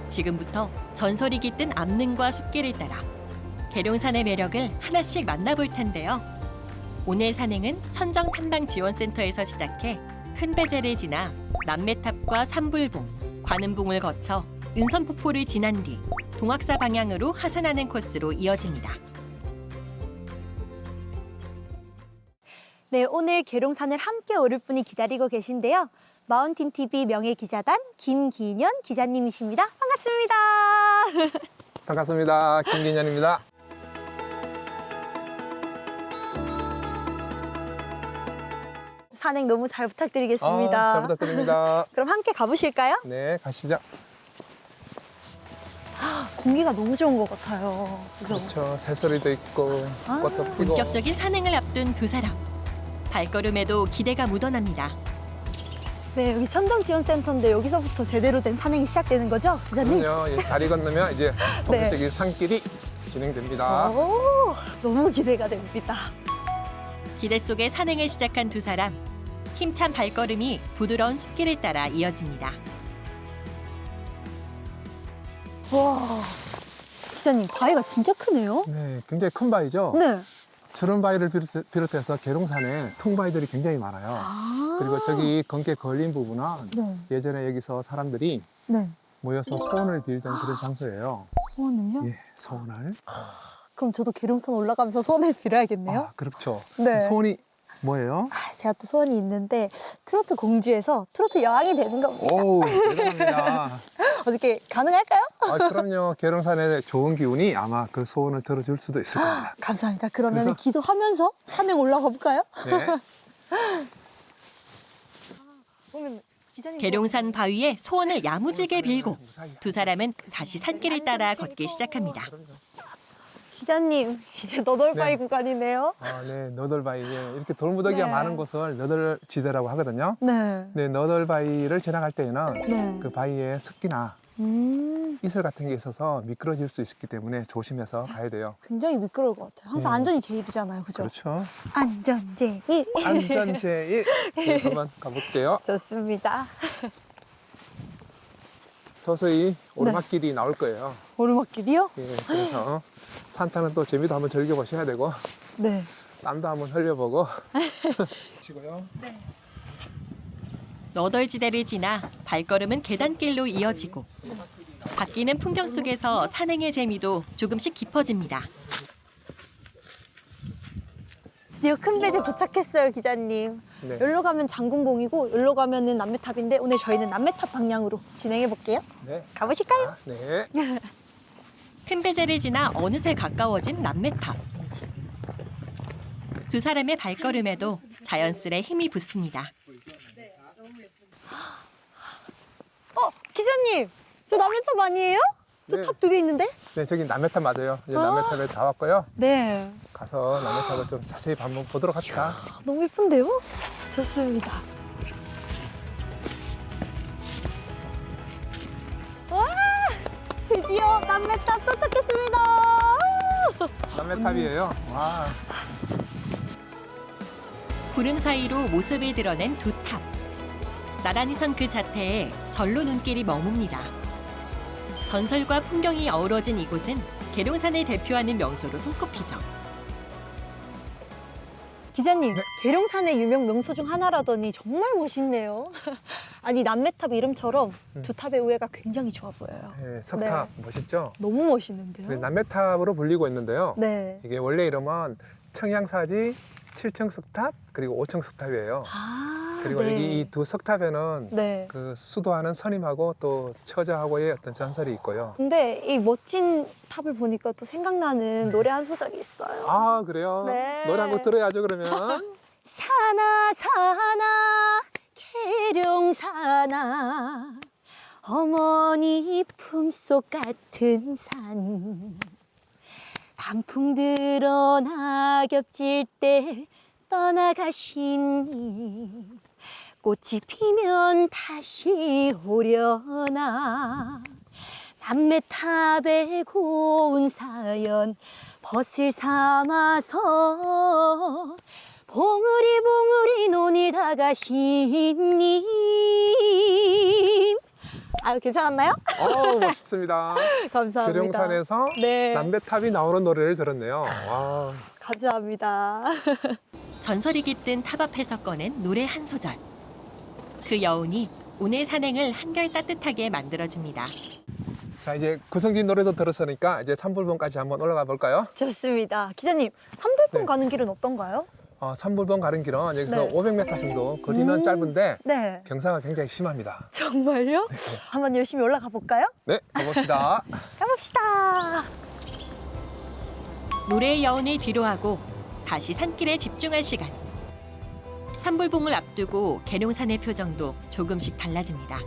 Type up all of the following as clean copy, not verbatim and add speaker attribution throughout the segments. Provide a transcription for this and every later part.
Speaker 1: 지금부터 전설이 깃든 암릉과 숲길을 따라 계룡산의 매력을 하나씩 만나볼 텐데요. 오늘 산행은 천정탐방지원센터에서 시작해 큰배제를 지나 남매탑과 삼불봉, 관음봉을 거쳐 은선폭포를 지난 뒤 동학사 방향으로 하산하는 코스로 이어집니다.
Speaker 2: 네, 오늘 계룡산을 함께 오를 분이 기다리고 계신데요. 마운틴TV 명예기자단 김기년 기자님이십니다. 반갑습니다.
Speaker 3: 반갑습니다. 김기년입니다.
Speaker 2: 산행 너무 잘 부탁드리겠습니다.
Speaker 3: 잘 부탁드립니다.
Speaker 2: 그럼 함께 가보실까요?
Speaker 3: 네, 가시죠.
Speaker 2: 공기가 너무 좋은 것 같아요. 그죠?
Speaker 3: 그렇죠. 새소리도 있고 꽃도 피고.
Speaker 1: 본격적인 산행을 앞둔 두 사람. 발걸음에도 기대가 묻어납니다.
Speaker 2: 네, 여기 천정지원센터인데 여기서부터 제대로 된 산행이 시작되는 거죠, 기자님?
Speaker 3: 그럼요. 이 다리 건너면 이제
Speaker 2: 네.
Speaker 3: 본격적인 산길이 진행됩니다.
Speaker 2: 오, 너무 기대가 됩니다.
Speaker 1: 기대 속에 산행을 시작한 두 사람. 힘찬 발걸음이 부드러운 숲길을 따라 이어집니다.
Speaker 2: 와, 기자님, 바위가 진짜 크네요?
Speaker 3: 네, 굉장히 큰 바위죠.
Speaker 2: 네.
Speaker 3: 저런 바위를 비롯해서 계룡산에 통바위들이 굉장히 많아요.
Speaker 2: 아,
Speaker 3: 그리고 저기 건기에 걸린 부분은
Speaker 2: 네,
Speaker 3: 예전에 여기서 사람들이
Speaker 2: 네.
Speaker 3: 모여서 소원을 빌던 그런 장소예요.
Speaker 2: 소원은요?
Speaker 3: 예, 소원을.
Speaker 2: 그럼 저도 계룡산 올라가면서 소원을 빌어야겠네요.
Speaker 3: 아, 그렇죠.
Speaker 2: 네.
Speaker 3: 소원이 뭐예요?
Speaker 2: 제가 또 소원이 있는데 트로트 공주에서 트로트 여왕이 되는 겁니다.
Speaker 3: 오, 대단합니다.
Speaker 2: 어떻게 가능할까요?
Speaker 3: 아, 그럼요. 계룡산의 좋은 기운이 아마 그 소원을 들어줄 수도 있을 겁니다.
Speaker 2: 감사합니다. 그러면
Speaker 3: 그래서-
Speaker 2: 기도하면서 산행 올라가 볼까요?
Speaker 3: 네.
Speaker 2: 그러면 기자님
Speaker 1: 계룡산 바위에 소원을 야무지게 빌고 두 사람은 다시 산길을 따라 걷기 시작합니다.
Speaker 2: 기자님 이제 너덜바위
Speaker 3: 네.
Speaker 2: 구간이네요.
Speaker 3: 아, 네. 너덜바위. 예, 이렇게 돌무더기가
Speaker 2: 네.
Speaker 3: 많은 곳을 너덜지대라고 하거든요.
Speaker 2: 네.
Speaker 3: 네, 너덜바위를 지나갈 때에는
Speaker 2: 네.
Speaker 3: 그 바위에 습기나 이슬 같은 게 있어서 미끄러질 수 있기 때문에 조심해서 가야 돼요.
Speaker 2: 굉장히 미끄러울 것 같아요. 항상
Speaker 3: 네.
Speaker 2: 안전이 제일이잖아요, 그죠?
Speaker 3: 그렇죠.
Speaker 2: 안전 제일.
Speaker 3: 안전 제일. 네, 한번 가볼게요.
Speaker 2: 좋습니다.
Speaker 3: 서서히 오르막길이 나올 거예요.
Speaker 2: 오르막길이요?
Speaker 3: 예, 그래서 산타는 또 재미도 한번 즐겨보셔야 되고
Speaker 2: 네.
Speaker 3: 땀도 한번 흘려보고 치고요.
Speaker 1: 너덜지대를 지나 발걸음은 계단길로 이어지고 바뀌는 풍경 속에서 산행의 재미도 조금씩 깊어집니다.
Speaker 2: 드디어 큰 배제 도착했어요, 기자님.
Speaker 3: 네.
Speaker 2: 여기로 가면 장군봉이고 여기로 가면은 남매탑인데 오늘 저희는 남매탑 방향으로 진행해 볼게요.
Speaker 3: 네.
Speaker 2: 가보실까요?
Speaker 3: 아, 네.
Speaker 1: 큰 배제를 지나 어느새 가까워진 남매탑. 두 사람의 발걸음에도 자연스레 힘이 붙습니다.
Speaker 2: 기자님, 저 남매탑 아니에요? 저
Speaker 3: 네.
Speaker 2: 탑 두 개 있는데?
Speaker 3: 네, 저기 남해탑 맞아요. 이제
Speaker 2: 아.
Speaker 3: 남해탑에 다 왔고요.
Speaker 2: 네.
Speaker 3: 가서 남해탑을 좀 자세히 한번 보도록 합시다.
Speaker 2: 너무 예쁜데요? 좋습니다. 와! 드디어 남매탑 도착했습니다.
Speaker 3: 남해탑이에요. 와.
Speaker 1: 구름 사이로 모습을 드러낸 두 탑. 나란히 선 그 자태에 절로 눈길이 머뭅니다. 전설과 풍경이 어우러진 이곳은 계룡산을 대표하는 명소로 손꼽히죠.
Speaker 2: 기자님, 계룡산의 유명 명소 중 하나라더니 정말 멋있네요. 아니, 남매탑 이름처럼 두 탑의 우애가 굉장히 좋아 보여요.
Speaker 3: 네, 석탑 멋있죠?
Speaker 2: 너무 멋있는데요?
Speaker 3: 네, 남해탑으로 불리고 있는데요.
Speaker 2: 네.
Speaker 3: 이게 원래 이름은 청양사지 7층 석탑 그리고 5층 석탑이에요.
Speaker 2: 아,
Speaker 3: 그리고
Speaker 2: 네.
Speaker 3: 여기 이 두 석탑에는
Speaker 2: 네.
Speaker 3: 그 수도하는 선임하고 또 처자하고의 어떤 전설이 있고요.
Speaker 2: 근데 이 멋진 탑을 보니까 또 생각나는 노래 한 소절이 있어요.
Speaker 3: 아, 그래요?
Speaker 2: 네.
Speaker 3: 노래 한 곡 들어야죠, 그러면.
Speaker 2: 사나 사나 계룡사나 어머니 품속 같은 산 단풍 들어 낙엽 질 때 떠나가시니 꽃이 피면 다시 오려나 남매탑의 고운 사연 벗을 삼아서 봉우리 봉우리 논일 다 가신 님 아, 괜찮았나요?
Speaker 3: 멋있습니다.
Speaker 2: 감사합니다.
Speaker 3: 계룡산에서
Speaker 2: 네.
Speaker 3: 남배탑이 나오는 노래를 들었네요. 와,
Speaker 2: 감사합니다.
Speaker 1: 전설이 깃든 탑 앞에서 꺼낸 노래 한 소절. 그 여운이 오늘 산행을 한결 따뜻하게 만들어줍니다.
Speaker 3: 자 이제 구성진 노래도 들었으니까 이제 산불봉까지 한번 올라가 볼까요?
Speaker 2: 좋습니다. 기자님, 삼불봉
Speaker 3: 네.
Speaker 2: 가는 길은 어떤가요?
Speaker 3: 산불봉 가는 길은 여기서
Speaker 2: 네.
Speaker 3: 500m 정도 거리는 짧은데
Speaker 2: 네.
Speaker 3: 경사가 굉장히 심합니다.
Speaker 2: 정말요? 한번 열심히 올라가 볼까요?
Speaker 3: 네, 가봅시다.
Speaker 2: 가봅시다.
Speaker 1: 노래의 여운을 뒤로하고 다시 산길에 집중할 시간. 산불봉을 앞두고 계룡산의 표정도 조금씩 달라집니다.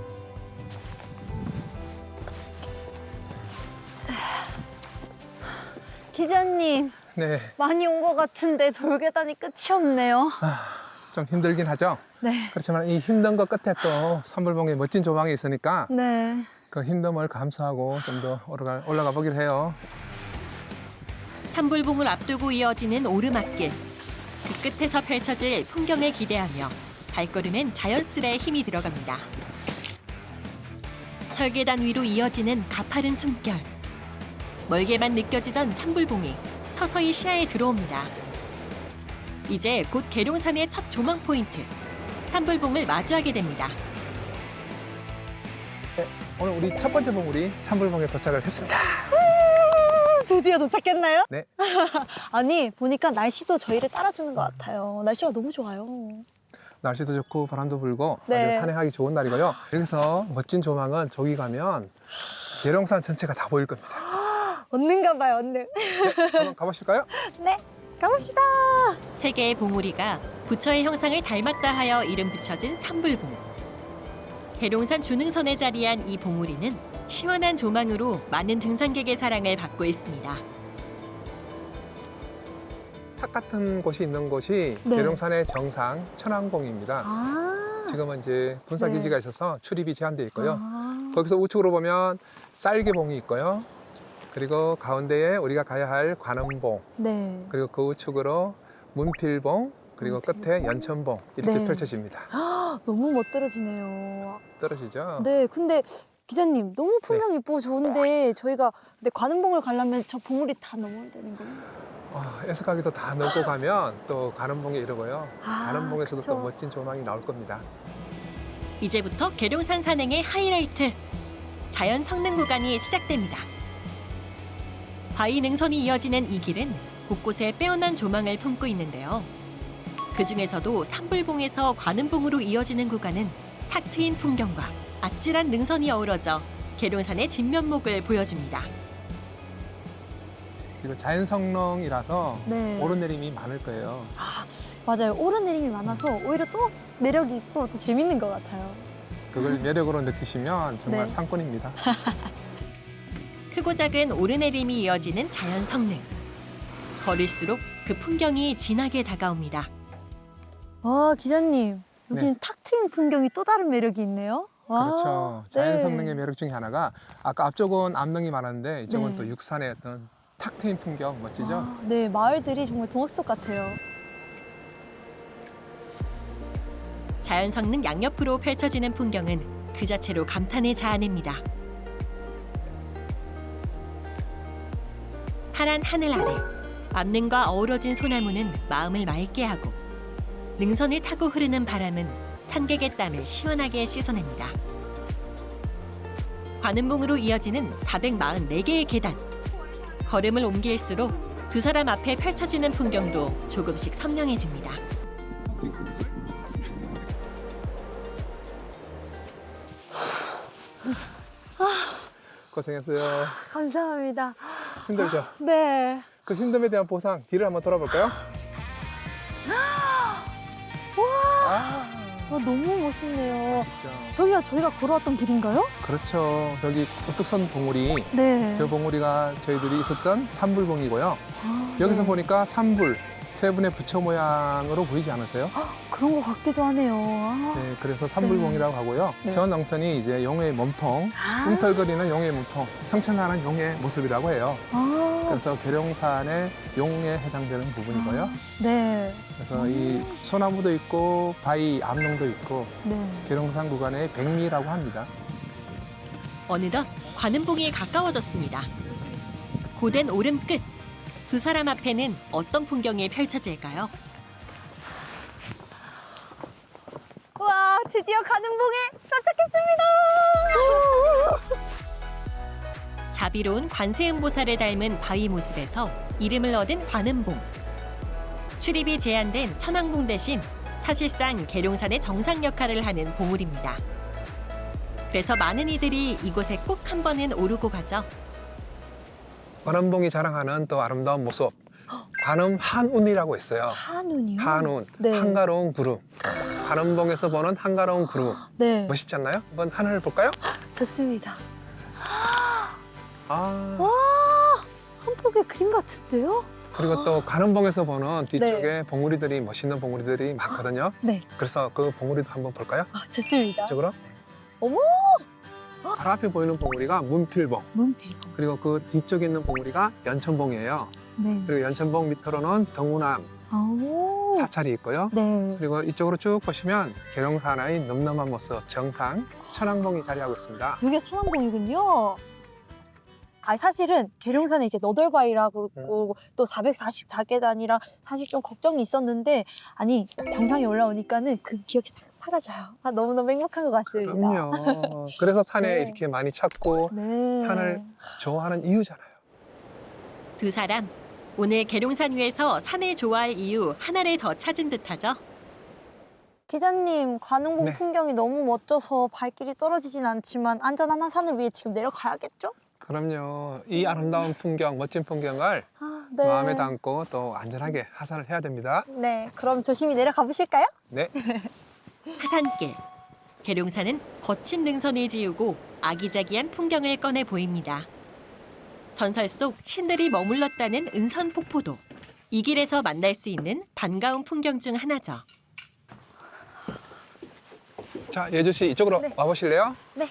Speaker 2: 기자님,
Speaker 3: 네,
Speaker 2: 많이 온 것 같은데 돌계단이 끝이 없네요.
Speaker 3: 좀 힘들긴 하죠.
Speaker 2: 네.
Speaker 3: 그렇지만 이 힘든 것 끝에 또 산불봉에 멋진 조망이 있으니까
Speaker 2: 네.
Speaker 3: 그 힘듦을 감수하고 좀 더 올라가 보기로 해요.
Speaker 1: 산불봉을 앞두고 이어지는 오르막길. 그 끝에서 펼쳐질 풍경을 기대하며 발걸음엔 자연스레 힘이 들어갑니다. 철계단 위로 이어지는 가파른 숨결. 멀게만 느껴지던 산불봉이 서서히 시야에 들어옵니다. 이제 곧 계룡산의 첫 조망 포인트, 산불봉을 마주하게 됩니다.
Speaker 3: 오늘 우리 첫 번째 봉우리 산불봉에 도착을 했습니다.
Speaker 2: 드디어 도착했나요?
Speaker 3: 네.
Speaker 2: 아니, 보니까 날씨도 저희를 따라주는 것 같아요. 날씨가 너무 좋아요.
Speaker 3: 날씨도 좋고 바람도 불고
Speaker 2: 네.
Speaker 3: 아주 산행하기 좋은 날이고요. 여기서 멋진 조망은 저기 가면 계룡산 전체가 다 보일 겁니다.
Speaker 2: 얻는가 봐요, 얻는.
Speaker 3: 네, 한번 가보실까요?
Speaker 2: 네, 가봅시다.
Speaker 1: 세 개의 봉우리가 부처의 형상을 닮았다 하여 이름 붙여진 산불봉. 계룡산 주능선에 자리한 이 봉우리는 시원한 조망으로 많은 등산객의 사랑을 받고 있습니다.
Speaker 3: 탑 같은 곳이 있는 곳이
Speaker 2: 네.
Speaker 3: 계룡산의 정상 천왕봉입니다.
Speaker 2: 아.
Speaker 3: 지금은 이제 군사기지가 있어서 출입이 제한되어 있고요.
Speaker 2: 아.
Speaker 3: 거기서 우측으로 보면 쌀개봉이 있고요. 그리고 가운데에 우리가 가야 할 관음봉,
Speaker 2: 네.
Speaker 3: 그리고 그 우측으로 문필봉, 그리고 끝에 연천봉 이렇게
Speaker 2: 네.
Speaker 3: 펼쳐집니다.
Speaker 2: 너무 멋들어지네요.
Speaker 3: 떨어지죠?
Speaker 2: 네, 근데 기자님 너무 풍경 이쁘고 좋은데 저희가 근데 관음봉을 가려면 저 봉우리 다 넘어야 되는 거예요?
Speaker 3: 애석하게도 다 넘고 가면 또 관음봉에 이르고요.
Speaker 2: 아,
Speaker 3: 관음봉에서도
Speaker 2: 그쵸.
Speaker 3: 또 멋진 조망이 나올 겁니다.
Speaker 1: 이제부터 계룡산 산행의 하이라이트, 자연 성능 구간이 시작됩니다. 바위 능선이 이어지는 이 길은 곳곳에 빼어난 조망을 품고 있는데요. 그 중에서도 산불봉에서 관음봉으로 이어지는 구간은 탁 트인 풍경과 아찔한 능선이 어우러져 계룡산의 진면목을 보여줍니다.
Speaker 3: 그리고 자연 성능이라서
Speaker 2: 네.
Speaker 3: 오르내림이 많을 거예요.
Speaker 2: 맞아요. 오르내림이 많아서 오히려 또 매력이 있고 또 재밌는 것 같아요.
Speaker 3: 그걸 매력으로 느끼시면 정말
Speaker 2: 네.
Speaker 3: 상권입니다.
Speaker 1: 크고 작은 오르내림이 이어지는 자연 성능. 걸을수록 그 풍경이 진하게 다가옵니다.
Speaker 2: 와, 기자님. 여기는
Speaker 3: 네.
Speaker 2: 탁 트인 풍경이 또 다른 매력이 있네요. 와,
Speaker 3: 그렇죠. 자연
Speaker 2: 네.
Speaker 3: 성능의 매력 중에 하나가 아까 앞쪽은 암릉이 많았는데 이쪽은
Speaker 2: 네.
Speaker 3: 또 육산의 어떤 탁 트인 풍경 멋지죠?
Speaker 2: 아, 네, 마을들이 정말 동화 속 같아요.
Speaker 1: 자연 성능 양옆으로 펼쳐지는 풍경은 그 자체로 감탄을 자아냅니다. 파란 하늘 아래 암릉과 어우러진 소나무는 마음을 맑게 하고 능선을 타고 흐르는 바람은 산객의 땀을 시원하게 씻어냅니다. 관음봉으로 이어지는 444개의 계단. 걸음을 옮길수록 두 사람 앞에 펼쳐지는 풍경도 조금씩 선명해집니다.
Speaker 3: 고생했어요.
Speaker 2: 감사합니다.
Speaker 3: 힘들죠?
Speaker 2: 네.
Speaker 3: 그 힘듦에 대한 보상 뒤를 한번 돌아볼까요?
Speaker 2: 와, 너무 멋있네요.
Speaker 3: 진짜.
Speaker 2: 저희가 걸어왔던 길인가요?
Speaker 3: 그렇죠. 여기 우뚝 선 봉우리,
Speaker 2: 네.
Speaker 3: 저 봉우리가 저희들이 있었던 산불봉이고요.
Speaker 2: 아,
Speaker 3: 여기서
Speaker 2: 네.
Speaker 3: 보니까 산불, 세 분의 부처 모양으로 보이지 않으세요?
Speaker 2: 그런 것 같기도 하네요. 아.
Speaker 3: 네, 그래서 산불봉이라고 하고요.
Speaker 2: 네.
Speaker 3: 저 능선이 이제 용의 몸통,
Speaker 2: 아.
Speaker 3: 꿈틀거리는 용의 몸통, 성천하는 용의 모습이라고 해요.
Speaker 2: 아.
Speaker 3: 그래서 계룡산의 용에 해당되는 부분이고요.
Speaker 2: 네.
Speaker 3: 그래서 이 소나무도 있고 바위 암릉도 있고
Speaker 2: 네.
Speaker 3: 계룡산 구간의 백미라고 합니다.
Speaker 1: 어느덧 관음봉이 가까워졌습니다. 고된 오름 끝. 두 사람 앞에는 어떤 풍경이 펼쳐질까요?
Speaker 2: 와, 드디어 관음봉에 도착했습니다.
Speaker 1: 자비로운 관세음보살을 닮은 바위 모습에서 이름을 얻은 관음봉. 출입이 제한된 천왕봉 대신 사실상 계룡산의 정상 역할을 하는 보물입니다. 그래서 많은 이들이 이곳에 꼭 한 번은 오르고 가죠.
Speaker 3: 관음봉이 자랑하는 또 아름다운 모습. 관음 한운이라고 있어요.
Speaker 2: 한운이요?
Speaker 3: 한운,
Speaker 2: 네.
Speaker 3: 한가로운 구름. 관음봉에서 보는 한가로운 구름.
Speaker 2: 네.
Speaker 3: 멋있지 않나요? 한번 하늘을 볼까요?
Speaker 2: 좋습니다.
Speaker 3: 아,
Speaker 2: 와, 한 폭의 그림 같은데요?
Speaker 3: 그리고 또 관음봉에서 보는 뒤쪽에 봉우리들이 멋있는 봉우리들이 많거든요.
Speaker 2: 네.
Speaker 3: 그래서 그 봉우리도 한번 볼까요?
Speaker 2: 아, 좋습니다.
Speaker 3: 이쪽으로.
Speaker 2: 어머!
Speaker 3: 바로 앞에 보이는 봉우리가 문필봉.
Speaker 2: 문필봉.
Speaker 3: 그리고 그 뒤쪽에 있는 봉우리가 연천봉이에요.
Speaker 2: 네.
Speaker 3: 그리고 연천봉 밑으로는 경운암
Speaker 2: 오.
Speaker 3: 사찰이 있고요.
Speaker 2: 네.
Speaker 3: 그리고 이쪽으로 쭉 보시면 계룡산의 넘넘한 모습 정상 천왕봉이 자리하고 있습니다.
Speaker 2: 여기가 천왕봉이군요. 아, 사실은 계룡산에 이제 너덜바위라고 그러고 또 444계단이라 사실 좀 걱정이 있었는데 아니 정상에 올라오니까는 그 기억이 싹 사라져요. 아, 너무너무 행복한 것 같습니다.
Speaker 3: 그럼요. 그래서 산에
Speaker 2: 네.
Speaker 3: 이렇게 많이 찾고
Speaker 2: 네.
Speaker 3: 산을 좋아하는 이유잖아요.
Speaker 1: 두 사람 오늘 계룡산 위에서 산을 좋아할 이유 하나를 더 찾은 듯하죠.
Speaker 2: 기자님, 관음봉
Speaker 3: 네.
Speaker 2: 풍경이 너무 멋져서 발길이 떨어지진 않지만 안전한 한산을 위해 지금 내려가야겠죠?
Speaker 3: 그럼요. 이 아름다운 풍경, 멋진 풍경을
Speaker 2: 아, 네.
Speaker 3: 마음에 담고 또 안전하게 하산을 해야 됩니다.
Speaker 2: 네, 그럼 조심히 내려가 보실까요?
Speaker 3: 네.
Speaker 1: 하산길. 계룡산은 거친 능선을 지우고 아기자기한 풍경을 꺼내 보입니다. 전설 속 신들이 머물렀다는 은선폭포도 이 길에서 만날 수 있는 반가운 풍경 중 하나죠.
Speaker 3: 자, 예주 씨 이쪽으로
Speaker 2: 네.
Speaker 3: 와보실래요?
Speaker 2: 네.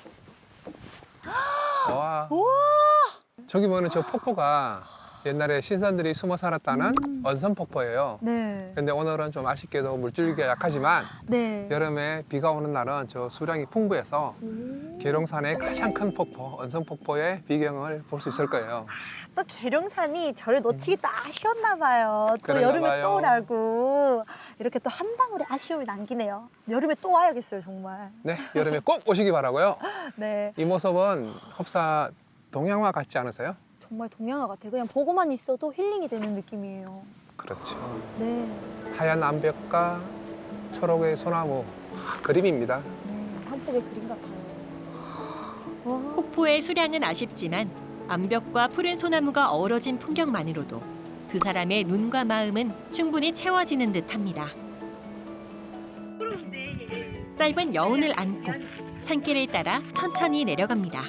Speaker 3: 와.
Speaker 2: 우와!
Speaker 3: 저기 보이는 저 폭포가 옛날에 신선들이 숨어 살았다는 언선폭포예요.
Speaker 2: 네.
Speaker 3: 근데 오늘은 좀 아쉽게도 물줄기가 약하지만
Speaker 2: 네.
Speaker 3: 여름에 비가 오는 날은 저 수량이 풍부해서 계룡산의 가장 큰 폭포, 언선폭포의 비경을 볼 수 있을 거예요.
Speaker 2: 또 계룡산이 저를 놓치기 또 아쉬웠나 봐요. 또
Speaker 3: 그런가
Speaker 2: 여름에
Speaker 3: 봐요.
Speaker 2: 또 오라고. 이렇게 또 한 방울의 아쉬움을 남기네요. 여름에 또 와야겠어요, 정말.
Speaker 3: 네, 여름에 꼭 오시기 바라고요.
Speaker 2: 네.
Speaker 3: 이 모습은 흡사 동양화 같지 않으세요?
Speaker 2: 정말 동양화 같아요. 그냥 보고만 있어도 힐링이 되는 느낌이에요.
Speaker 3: 그렇죠.
Speaker 2: 네.
Speaker 3: 하얀 암벽과 초록의 소나무 그림입니다.
Speaker 2: 네. 한 폭의 그림 같아요. 와.
Speaker 1: 폭포의 수량은 아쉽지만 암벽과 푸른 소나무가 어우러진 풍경만으로도 두 사람의 눈과 마음은 충분히 채워지는 듯합니다. 짧은 여운을 안고 산길을 따라 천천히 내려갑니다.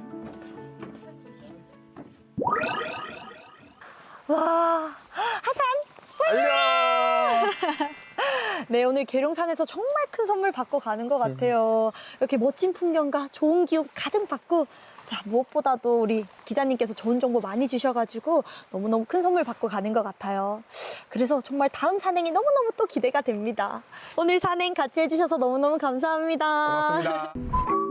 Speaker 2: 와. 하산!
Speaker 3: 안녕!
Speaker 2: 네, 오늘 계룡산에서 정말 큰 선물 받고 가는 것 같아요. 이렇게 멋진 풍경과 좋은 기운 가득 받고, 자, 무엇보다도 우리 기자님께서 좋은 정보 많이 주셔가지고 너무너무 큰 선물 받고 가는 것 같아요. 그래서 정말 다음 산행이 너무너무 또 기대가 됩니다. 오늘 산행 같이 해주셔서 너무너무 감사합니다.
Speaker 3: 고맙습니다.